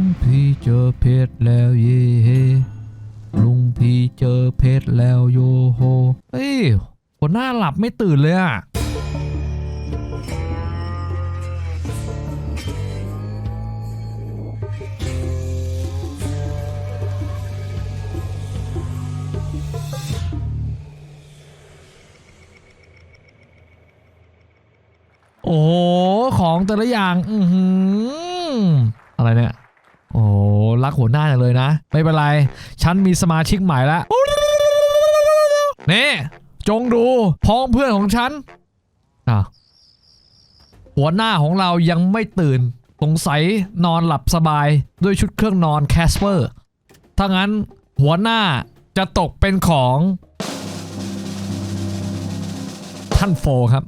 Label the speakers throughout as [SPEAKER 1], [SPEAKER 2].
[SPEAKER 1] พี่เจอเพชรแล้วเย่ลุงพี่เจอเพชรแล้วโยโฮเฮ้ยหัวหน้าหลับไม่ตื่นเลยอะโอ้ของแต่ละอย่างอะไรเนี่ยโอ้รักหัวหน้าอย่างเลยนะไม่เป็นไรฉันมีสมาชิกใหม่แล้วนี่จงดูพ้องเพื่อนของฉันหัวหน้าของเรายังไม่ตื่นสงสัยนอนหลับสบายด้วยชุดเครื่องนอนแคสเปอร์ถ้างั้นหัวหน้าจะตกเป็นของท่านโฟครับ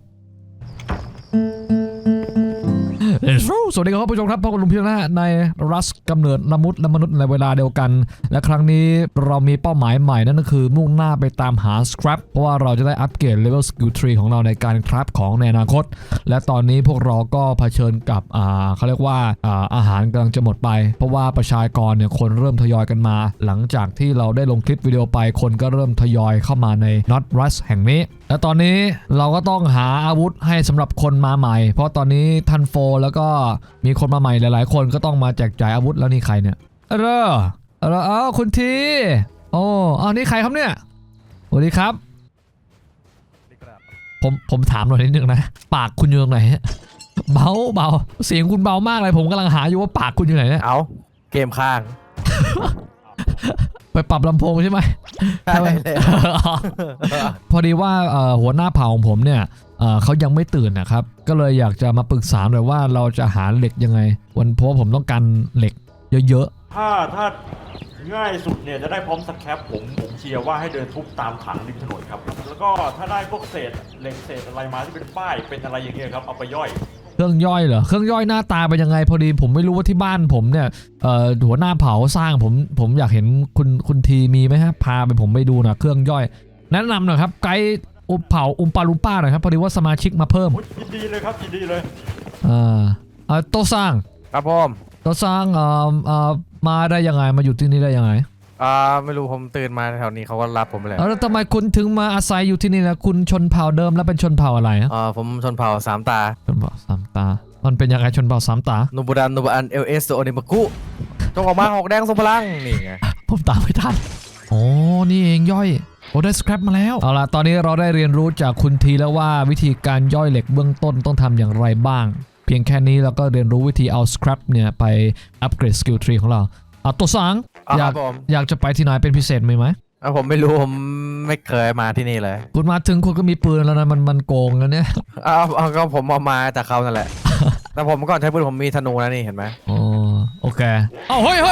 [SPEAKER 1] สวัสดีครับผู้ชมครับพบกับลุงเพียงนะในรัสกำเนิดละมุดและมนุษย์ในเวลาเดียวกันและครั้งนี้เรามีเป้าหมายใหม่นั่นก็คือมุ่งหน้าไปตามหาสครับเพราะว่าเราจะได้อัปเกรดเลเวลสกิลทรีของเราในการคราฟของในอนาคตและตอนนี้พวกเราก็เผชิญกับเขาเรียกว่าอาหารกำลังจะหมดไปเพราะว่าประชากรเนี่ยคนเริ่มทยอยกันมาหลังจากที่เราได้ลงคลิปวิดีโอไปคนก็เริ่มทยอยเข้ามาในน็อตรัสแห่งนี้และตอนนี้เราก็ต้องหาอาวุธให้สำหรับคนมาใหม่เพราะตอนนี้ทันโฟแล้วก็มีคนมาใหม่หลายๆคนก็ต้องมาแจกจ่ายอาวุธแล้วนี่ใครเนี่ยคุณทีโอ้นี่ใครครับเนี่ยสวัสดีครับผมถามหน่อยนิดนึงนะปากคุณอยู่ตรงไหนเบาเสียงคุณเบามากเลยผมกำลังหาอยู่ว่าปากคุณอยู่ไหนเนี่ย
[SPEAKER 2] เอาเกมข้าง
[SPEAKER 1] ไปปรับลำโพงใช่ไหม
[SPEAKER 2] ใช่เลย
[SPEAKER 1] พอดีว่าหัวหน้าเผ่าของผมเนี่ยเขายังไม่ตื่นนะครับก็เลยอยากจะมาปรึกษาหน่อยว่าเราจะหาเหล็กยังไงเพราะผมต้องการเหล็กเยอะ
[SPEAKER 3] ๆถ้าง่ายสุดเนี่ยจะได้พร้อมสแครปผมเชียร์ว่าให้เดินทุบตามถังริมถนนครับแล้วก็ถ้าได้พวกเศษเหล็กเศษอะไรมาที่เป็นป้ายเป็นอะไรอย่างเงี้ยครับเอาไปย่อย
[SPEAKER 1] เครื่องย่อยเหรอเครื่องย่อยหน้าตาเป็นยังไงพอดีผมไม่รู้ว่าที่บ้านผมเนี่ยหัวหน้าเผาสร้างผมอยากเห็นคุณทีมีไหมฮะพาไปผมไปดูหน่อยเครื่องย่อยแนะนำหน่อยครับไกด์เผาอุมปาลุมป้าหน่อยครับพอดีว่าสมาชิกมาเพิ่ม
[SPEAKER 3] ยินดีเลยครับยินดีเลย
[SPEAKER 1] โตซัง
[SPEAKER 2] ครับผม
[SPEAKER 1] โตซังมาได้ยังไงมาอยู่ที่นี่ได้ยังไง
[SPEAKER 2] ไม่รู้ผมตื่นมาแถวนี้เขาก็รับผมไปเลย
[SPEAKER 1] แล้วทำไมคุณถึงมาอาศัยอยู่ที่นี่นะคุณชนเผ่าเดิมแล้วเป็นชนเผ่าอะไร
[SPEAKER 2] ผมชนเผ่าสามตา
[SPEAKER 1] ชนเผ่าสามตามันเป็นยังไงชนเผ่าสามตา
[SPEAKER 2] นูบูดันเอลเอสโอนิมากุจงออกมาหอกแดงทรงพลังนี่ไง
[SPEAKER 1] ผมตามไม่ทันโอ้นี่เองย่อยโอ้ได้สครับมาแล้วเอาล่ะตอนนี้เราได้เรียนรู้จากคุณทีแล้วว่าวิธีการย่อยเหล็กเบื้องต้นต้องทำอย่างไรบ้างเพียงแค่นี้เราก็เรียนรู้วิธีเอาสครับเนี่ยไปอัปเกรดสกิลทรีของเราตัวสังอยากจะไปที่ไหนเป็นพิเศษไหม
[SPEAKER 2] ผมไม่รู้ผมไม่เคยมาที่นี่เลย
[SPEAKER 1] คุณมาถึงคุณก็มีปืนแล้วนะมันโกงแล้วเนี่ย
[SPEAKER 2] ก็ผมเอามาจากเขานั่นแหละแต่ผมก่อนใช้ปืนผมมีธนูนะนี่เห็นไหม
[SPEAKER 1] โอเคเฮ้ย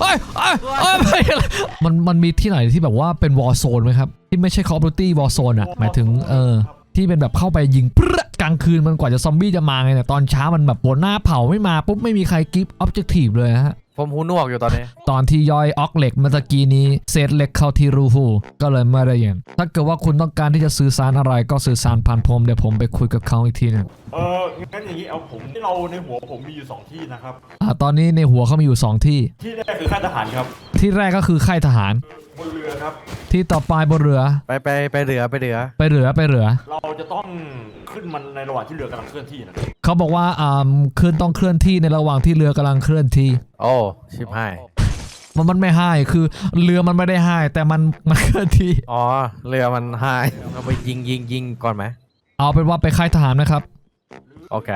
[SPEAKER 1] มันมีที่ไหนที่แบบว่าเป็นวอร์โซนไหมครับที่ไม่ใช่ Call of Duty วอร์โซนอ่ะหมายถึงที่เป็นแบบเข้าไปยิงกลางคืนมันกว่าจะซอมบี้จะมาไงเนี่ยตอนเช้ามันแบบหัวหน้าเผาไม่มาปุ๊บไม่มีใครกิฟต์ออบเจกตีฟเลยฮะ
[SPEAKER 2] ผมหูหนวกอยู่ตอนนี้
[SPEAKER 1] ตอนที่ย่อยออกเหล็กเมื่อกี้นี้เศษเหล็กเข้าที่รูหูก็เลยไม่ได้ยินถ้าเกิดว่าคุณต้องการที่จะสื่อสารอะไรก็สื่อสารผ่านผมเดี๋ยวผมไปคุยกับเขาอีกทีนึง
[SPEAKER 3] งั้นอย่างนี้เอาผมที่เราในหัวผมมีอยู่2ที่นะครับ
[SPEAKER 1] ตอนนี้ในหัวเขามีอยู่2ที่
[SPEAKER 3] ที่แรกคือค่ายทหารครับ
[SPEAKER 1] ที่แรกก็คือค่ายทหาร
[SPEAKER 3] บนเรือครับ
[SPEAKER 1] ที่ต่อไปบนเรือ
[SPEAKER 2] ไปเรือ
[SPEAKER 3] เราจะต้องขึ้นมันในระหว่างที่เรือกำลังเคลื่อนที่นะ
[SPEAKER 1] เขาบอกว่าต้องเคลื่อนที่ในระหว่างที่เรือกำลังเคลื่อนที่
[SPEAKER 2] โอ้ชิบหาย
[SPEAKER 1] มันไม่ให้คือเรือมันไม่ได้ให้แต่มันเคลื่อนที่
[SPEAKER 2] เรือมันให้เราไปยิงก่อนไหม
[SPEAKER 1] เอาเป็นว่าไปค่ายทหารนะครับ
[SPEAKER 2] โอเค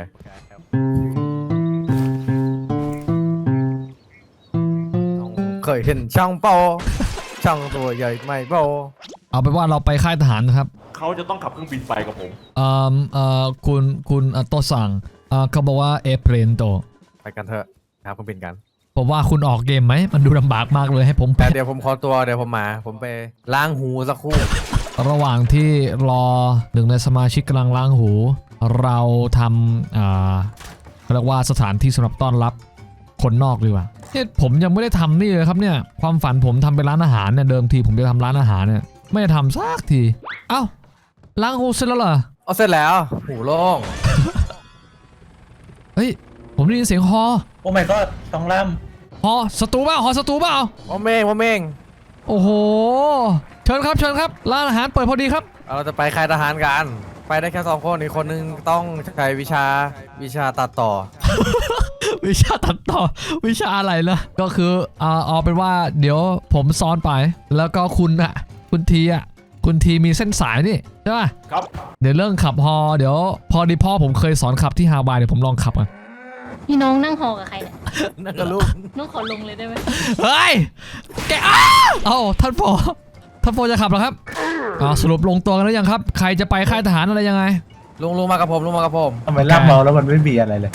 [SPEAKER 2] เคยเห็นช่างตัวใหญ่ไม่โป
[SPEAKER 1] เอาเป็นว่าเราไปค่ายทหารนะครับ
[SPEAKER 3] เขาจะต้องขับเครื่องบินไปกับผม
[SPEAKER 1] คุณโตซังเขาบอกว่าเพลนโต
[SPEAKER 2] ไปกันเถอะครับเครื่องบินกัน
[SPEAKER 1] ผมว่าคุณออกเกมไหมมันดูลำบากมากเลยให้ผม
[SPEAKER 2] เดี๋ยวผมขอตัวเดี๋ยวผมไปล้างหูสักครู่
[SPEAKER 1] ระหว่างที่รอหนึ่งในสมาชิกกำลังล้างหูเราทำเรียกว่าสถานที่สำหรับต้อนรับคนนอกดีกว่าผมยังไม่ได้ทำนี่เลยครับเนี่ยความฝันผมทำเป็นร้านอาหารเนี่ยเดิมทีผมจะทำร้านอาหารเนี่ยไม่ได้ทำสักทีเอ้าล้างหูเสร็จแล้วเหรอ
[SPEAKER 2] เสร็จแล้วหูโล่ง
[SPEAKER 1] เฮ้ยผมได้ยินเสียงฮอ
[SPEAKER 4] โอ้ my god สองล
[SPEAKER 1] หอศัตรูเปล่าหอศัตรูเปล่า
[SPEAKER 2] ผมเอง
[SPEAKER 1] โอ้โหเชิญครับร้านอาหารเปิดพอดีครับ
[SPEAKER 2] เราจะไปค่ายทหารกันไปได้แค่2 คนอีกคนนึงต้องใช้วิชาตัดต่อ
[SPEAKER 1] วิชาตัดต่อวิชาอะไรล่ะก็คือเอาเป็นว่าเดี๋ยวผมซ้อนไปแล้วก็คุณทีมีเส้นสายนี่ใช่ป่ะ
[SPEAKER 3] ครับ
[SPEAKER 1] เดี๋ยวเรื่องขับฮอเดี๋ยวพอดีพ่อผมเคยสอนขับที่ฮาวายเดี๋ยวผมลองขับอ่ะ
[SPEAKER 4] พี่น้องนั่งหอกับใครเนี่ย
[SPEAKER 2] นั่นก็ลูก
[SPEAKER 4] น้องขอลงเลยได้ไหม
[SPEAKER 1] เฮ้ยแกเอ้าท่านพ่อจะขับเหรอครับสรุปลงตัวกันแล้วยังครับใครจะไปค่ายทหารอะไรยังไง
[SPEAKER 2] ลุงมากับผม
[SPEAKER 5] ทำไมลากเมาแล้วมันไม่มีอะไรเลย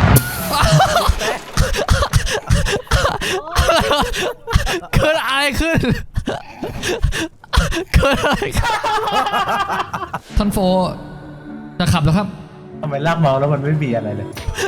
[SPEAKER 1] เกิดอะไรขึ้นท่านโฟจะขับเหรอครับ
[SPEAKER 5] ทำไมลากเมาแล้วมันไม่มีอะไรเลย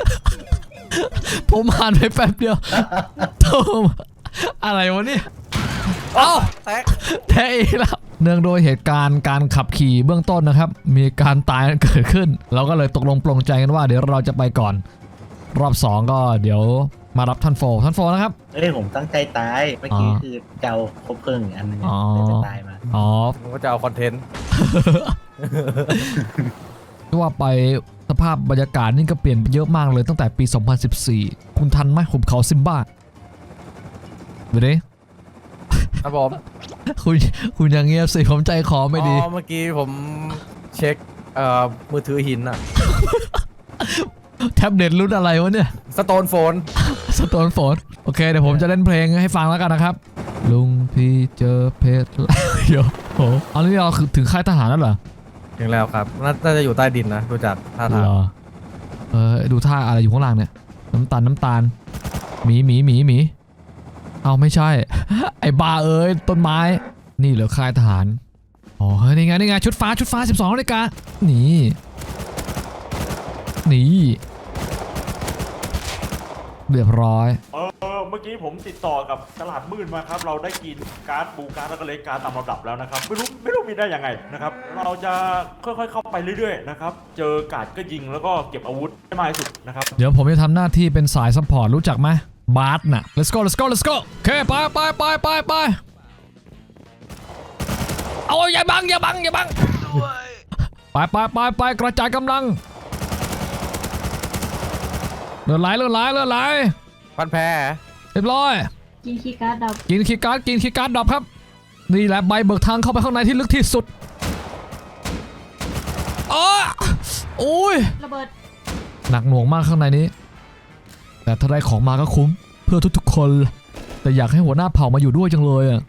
[SPEAKER 1] ผมผ่านไปแป๊บเดียวโทมอะไรวะเนี่ยเอ้าแท้อีกแล้วเนื่องโดยเหตุการณ์การขับขี่เบื้องต้นนะครับมีการตายเกิดขึ้นเราก็เลยตกลงปลงใจกันว่าเดี๋ยวเราจะไปก่อนรอบ2ก็เดี๋ยวมารับท่านโฟนะครับ
[SPEAKER 5] เอ้ยผมตั้งใจตาย เมื่อกี้คือเจ้าคบเพลิงอีกอันหนึง
[SPEAKER 1] อ๋อ
[SPEAKER 5] เลยจะตายมา
[SPEAKER 2] ผมก็จะเอาคอนเทนต์
[SPEAKER 1] ว่าไปสภาพบรรยากาศนี่ก็เปลี่ยนไปเยอะมากเลยตั้งแต่ปี 2014 คุณทันไหมหุบเขาซิมบ้าดูดิ
[SPEAKER 2] ครับผม
[SPEAKER 1] คุณอย่างเงียบสิผมใจคอไม่ดี
[SPEAKER 2] เมื่อกี้ผมเช็คมือถือหินอะ
[SPEAKER 1] แท็บเล็ตรุ่นอะไรวะเนี่ย
[SPEAKER 2] สโตนโฟน
[SPEAKER 1] สโตนโฟนโอเคเดี๋ยวผมจะเล่นเพลงให้ฟังแล้วกันนะครับ ลุงพี่เจอเพชรเดี๋ยวโอ้อันนี้เราคือถึงค่ายทหารแล้วเหรอ
[SPEAKER 2] ถึงแล้วครับน่าจะอยู่ใต้ดินนะดูจากท่าทาง
[SPEAKER 1] เหรอดูท่าอะไรอยู่ข้างล่างเนี่ยน้ำตาลหมีเอาไม่ใช่ ไอ้บ้าเอ้ยต้นไม้นี่เหรอค่ายทหารอ๋อเฮ้ยนี่ไงชุดฟ้า12 นาฬิกานี่เรียบร้อย
[SPEAKER 3] เมื่อกี้ผมติดต่อกับตลาดมืดมาครับ เราได้กินการ์ดบูการ์ดแล้วก็เลขการ์ดตามลำดับแล้วนะครับ ไม่รู้มีได้ยังไงนะครับ เราจะค่อยๆเข้าไปเรื่อยๆนะครับ เจอการ์ดก็ยิงแล้วก็เก็บอาวุธให้มากที่สุดนะครับ
[SPEAKER 1] เดี๋ยวผมจะทำหน้าที่เป็นสายซัพพอร์ตรู้จักไหมบาร์น่ะ let's go โอเคไปเอาอย่าบังไปกระจายกำลังเลือดไหล
[SPEAKER 2] พันแพ้
[SPEAKER 1] เรียบร้อย
[SPEAKER 4] กินคีย์การ์ดดับ
[SPEAKER 1] กินคีย์การ์ดดับครับนี่แหละใบเบิกทางเข้าไปข้างในที่ลึกที่สุดโอ้ย
[SPEAKER 4] ระเบิด
[SPEAKER 1] หนักหน่วงมากข้างในนี้แต่ถ้าได้ของมาก็คุ้มเพื่อทุกๆคนแต่อยากให้หัวหน้าเผ่ามาอยู่ด้วยจังเลยอ่ะ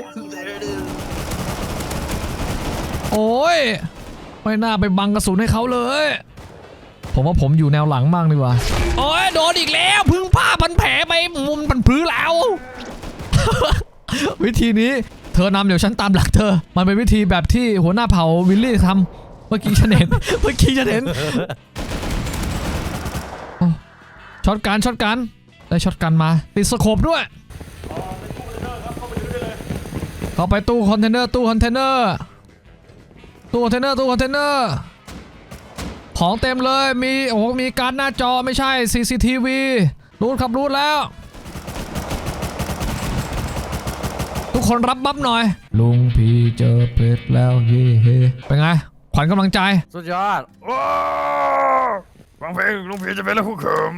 [SPEAKER 1] โอ้ยไม่น่าไปบังกระสุนให้เขาเลยผมว่าผมอยู่แนวหลังมากดีกว่าโอ้ยโดนอีกแล้วพึ่งผ้าพันแผลไปมุมพันพื้นแล้ว วิธีนี้เธอนำเดี๋ยวฉันตามหลังเธอมันเป็นวิธีแบบที่หัวหน้าเผ่าวิลลี่ทำเมื่อกี้ฉันเห็น ช็อตกันได้ช็อตกันมาติดสโคปด้วยเข้าไปตู้คอนเทนเนอร์ของเต็มเลยมีการ์ดหน้าจอไม่ใช่ CCTV รูดแล้วทุกคนรับบัฟหน่อยลุงพี่เจอเพชรแล้วเฮ้เป็นไงขวัญกำลังใจ
[SPEAKER 2] สุดยอดฟังเพลงลุงพีจะเป็นแล้วคู่เขม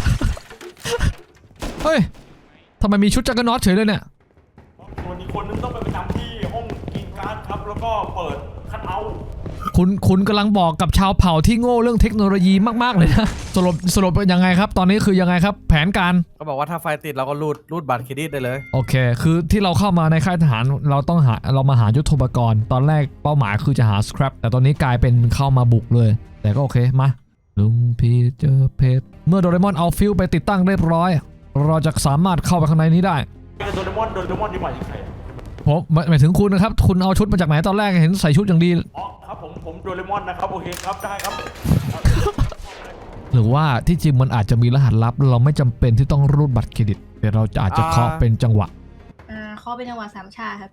[SPEAKER 1] เฮ้ยทำไมมีชุดจักรน็อตเฉยเลยเนี่ย
[SPEAKER 3] ส่วนอีกคนนึงต้องไปประจำที่ห้องกินการ์ดครับ แล้วก็เปิดคัทเอาท์
[SPEAKER 1] คุณกำลังบอกกับชาวเผ่าที่โง่เรื่องเทคโนโลยีมากๆเลยนะสรุปยังไงครับตอนนี้คือยังไงครับแผนการ
[SPEAKER 2] ก็บอกว่าถ้าไฟติดเราก็รูดบัตรเครดิตได้เลย
[SPEAKER 1] โอเคคือที่เราเข้ามาในค่ายทหารเรามาหายุทโธปกรณ์ตอนแรกเป้าหมายคือจะหาสครับแต่ตอนนี้กลายเป็นเข้ามาบุกเลยแต่ก็โอเคมาลุงพี่เจอเพชรเมื่อโดเรมอนเอาฟิวไปติดตั้งเรียบร้อยเราจะสามารถเข้าไปข้างในนี้ได้
[SPEAKER 3] โดเรมอนดีกว่าอีกใคร
[SPEAKER 1] ผมหมายถึงคุณนะครับคุณเอาชุดมาจากไหนตอนแรกเห็นใส่ชุดอย่างดี
[SPEAKER 3] อ๋อครับผมโดเรมอนนะครับโอเคครับได้ครับ
[SPEAKER 1] หรือว่าที่จริงมันอาจจะมีรหัสลับเราไม่จำเป็นที่ต้องรูดบัตรเครดิตแต่เราอาจจะเคาะเป็นจังหวะ
[SPEAKER 4] เขาเป็นจังหวะสามชาครับ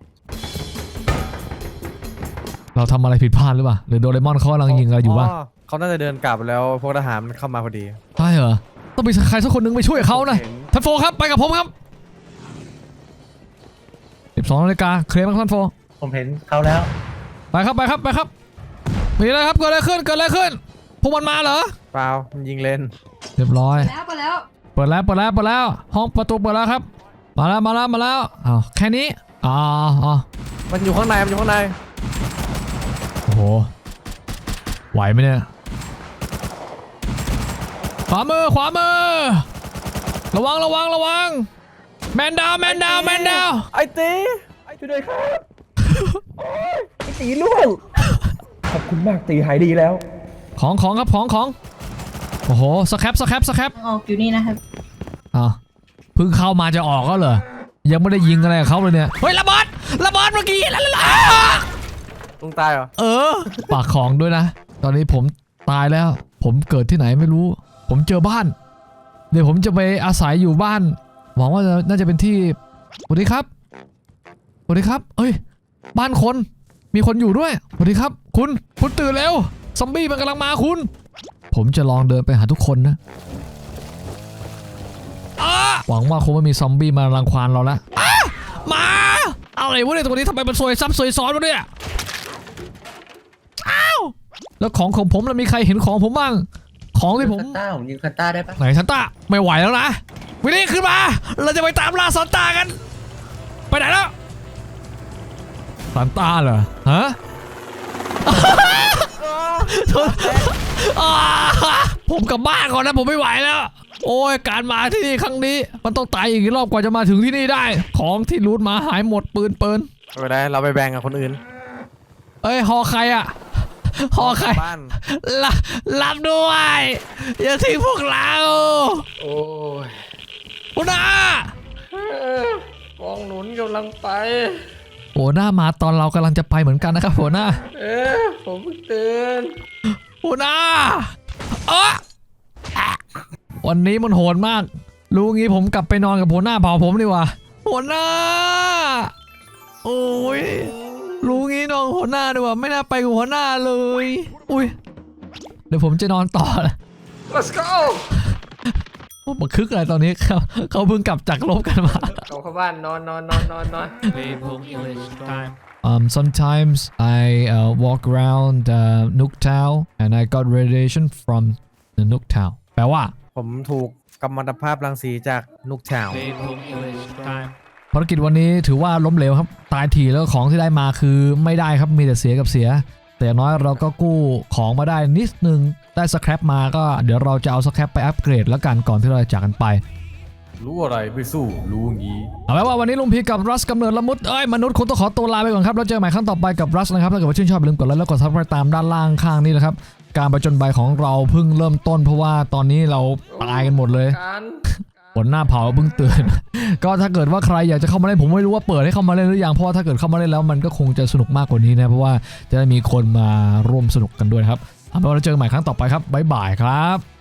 [SPEAKER 1] เราทำอะไรผิดพลาดหรือเปล่าหรือโดเรมอนเขากำลังยิงอะไรอยู่วะ
[SPEAKER 2] เขาน่าจะเดินกลับแล้วพวกทหารเข้ามาพอดี
[SPEAKER 1] ใช่เหรอต้องมีใครสักคนนึงไปช่วยเขานะท่านโฟครับไปกับผมครับ 12 นาฬิกาเคลียร์ไหมครับท่านโฟ
[SPEAKER 5] ผมเห็นเขาแล้ว
[SPEAKER 1] ไปครับมีอะไรครับเกิดอะไรขึ้นพวกมันมาเหรอ
[SPEAKER 2] เปล่ามันยิงเลน
[SPEAKER 1] เรียบร้อย
[SPEAKER 4] แล้วไปแล้ว
[SPEAKER 1] เปิดแล้วห้องประตูเปิดแล้วครับมาแล้วอ้าวแค่นี้อ๋อ
[SPEAKER 2] มันอยู่ข้างในโ
[SPEAKER 1] โอ้โหไหวไหมเนี่ยขวามือระวังแมนดาว
[SPEAKER 2] ไอ้ตี
[SPEAKER 6] ช่วยด้วยครับ ไอ้ตีล่วง ขอบคุณมากตีหายดีแล้ว
[SPEAKER 1] ของครับของโอ้โหสแครป
[SPEAKER 4] ออกอยู่นี่นะครับ
[SPEAKER 1] อ้าวเพิ่งเข้ามาจะออกก็เหรอยังไม่ได้ยิงอะไรกับเขาเลยเนี่ยเฮ้ยระเบิดเมื่อกี้แล้ว
[SPEAKER 2] ลุงตายเหรอ
[SPEAKER 1] ปากของด้วยนะ ตอนนี้ผมตายแล้ว ผมเกิดที่ไหนไม่รู้ ผมเจอบ้าน เดี๋ยวผมจะไปอาศัยอยู่บ้านหวังว่าน่าจะเป็นที่สวัสดีครับเอ้ยบ้านคนมีคนอยู่ด้วยสวัสดีครับคุณตื่นแล้วซอมบี้มันกำลังมาคุณผมจะลองเดินไปหาทุกคนนะหวังว่าคงไม่มีซอมบี้มารังควานเราละมาอะไรวะเนี่ยตัวนี้ทำไมมันซวยซับซวยซ้อนวะเนี่ยอ้าวแล้วของผมแล้วมีใครเห็นของผมบ้างของที่ผม
[SPEAKER 5] ผมยิงซันต้าได้ปะ
[SPEAKER 1] ไหนซันต้าไม่ไหวแล้วนะวินนี่ขึ้นมาเราจะไปตามล่าซันต้ากันไปไหนแล้วซันต้าเหรอฮะ ผมกลับบ้านก่อนนะผมไม่ไหวแล้วโอ้ยการมาที่นี่ครั้งนี้มันต้องตายอีกรอบกว่าจะมาถึงที่นี่ได้ของที่รูทมาหายหมดปืน
[SPEAKER 2] ไม่เป็นไรเราไปแบ่งกับคนอื่น
[SPEAKER 1] เอ้ยหอใครอะหอใคร
[SPEAKER 2] บ้าน
[SPEAKER 1] รับด้วยอย่าทิ้งพวกเรา
[SPEAKER 2] โอ้ย
[SPEAKER 1] หัวหน้าก
[SPEAKER 2] องหนุนกำลังไป
[SPEAKER 1] หัวหน้ามาตอนเรากำลังจะไปเหมือนกันนะครับหัวหน้า
[SPEAKER 2] ผมเพิ่งตื่น
[SPEAKER 1] หัวหน้าวันนี้มันโหดมากรู้งี้ผมกลับไปนอนกับหัวหน้าเผาผมดีกว่าหัวหน้าโอ้ยรู้งี้นอนหัวหน้าดีกว่าไม่น่าไปกับหัวหน้าเลยอุ้ยเดี๋ยวผมจะนอนต่อนะ
[SPEAKER 2] Let's go
[SPEAKER 1] โอ้มาคึกอะไรตอนนี้เขาเพิ่งกลับจากรบกันมา
[SPEAKER 2] เข้าบ้านนอน
[SPEAKER 1] sometimes I walk around Nuketown and I got radiation from the Nuketown แปลว่า
[SPEAKER 2] ผมถูกกัมมันตภาพรังสีจากนุกแถว
[SPEAKER 1] ภารกิจวันนี้ถือว่าล้มเหลวครับตายถี่แล้วของที่ได้มาคือไม่ได้ครับมีแต่เสียกับเสียแต่อย่างน้อยเราก็กู้ของมาได้นิดนึงได้สแครปมาก็เดี๋ยวเราจะเอาสแครปไปอัปเกรดแล้วกันก่อนที่เราจะจากกันไป
[SPEAKER 2] รู้อะไรไม่สู้รู้งี้
[SPEAKER 1] เอาไว้ว่าวันนี้ลุงพีกับรัสกำเนิดละมุดมนุษย์คงต้องขอตัวลาไปก่อนครับแล้วเจอกันใหม่ครั้งต่อไปกับรัสนะครับถ้าเกิดว่าชื่นชอบอย่าลืมกดไลค์แล้วกดซับสไครป์ตามด้านล่างข้างนี้นะครับการประจนใบของเราเพิ่งเริ่มต้นเพราะว่าตอนนี้เราตายกันหมดเลยผลหน้าเผาเพิ่งตื่น ก็ถ้าเกิดว่าใครอยากจะเข้ามาเล่นผมไม่รู้ว่าเปิดให้เข้ามาเล่นหรือยังเพราะว่าถ้าเกิดเข้ามาเล่นแล้วมันก็คงจะสนุกมากกว่านี้นะเพราะว่าจะได้มีคนมาร่วมสนุกกันด้วยนะครับเอาเป็นว่าเราเจอกันใหม่ครั้งต่อไปครับบ๊ายบายครับ